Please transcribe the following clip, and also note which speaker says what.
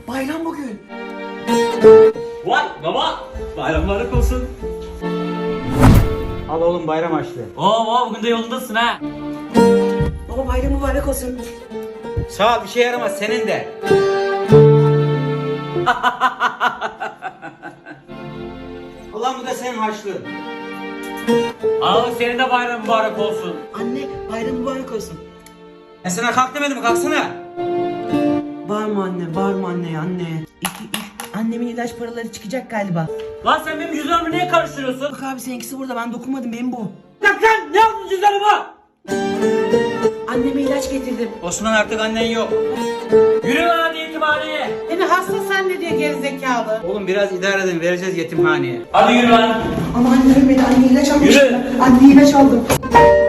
Speaker 1: bayram bugün.
Speaker 2: Vay baba, bayram mübarek olsun.
Speaker 3: Al oğlum bayram harçlığı.
Speaker 2: Oo bugün de yolundasın ha.
Speaker 1: Baba bayram mübarek olsun.
Speaker 3: Sağ ol, bir şey yaramaz senin de. Ulan bu da senin harçlığın.
Speaker 2: Al senin de bayram mübarek olsun.
Speaker 1: Anne bayram mübarek olsun.
Speaker 3: Ben sana kalk demedim mi? Kalksana.
Speaker 1: Bağırma anne, bağırma anne, anne. Annemin ilaç paraları çıkacak galiba.
Speaker 2: Lan sen benim cüzdanımı niye karıştırıyorsun?
Speaker 1: Bak abi seninkisi burada, ben dokunmadım, benim bu.
Speaker 2: Lan ne yaptın cüzdanıma?
Speaker 1: Anneme ilaç getirdim.
Speaker 3: Osman artık annen yok.
Speaker 2: Yürü lan hadi yetimhaneye.
Speaker 4: Beni hasta zannediyor gerizekalı.
Speaker 3: Oğlum biraz idare edin, vereceğiz yetimhaneye.
Speaker 2: Hadi yürü lan.
Speaker 1: Ama anne ölmedi, anne ilaç almış.
Speaker 2: Yürü.
Speaker 1: Anne ilaç aldım.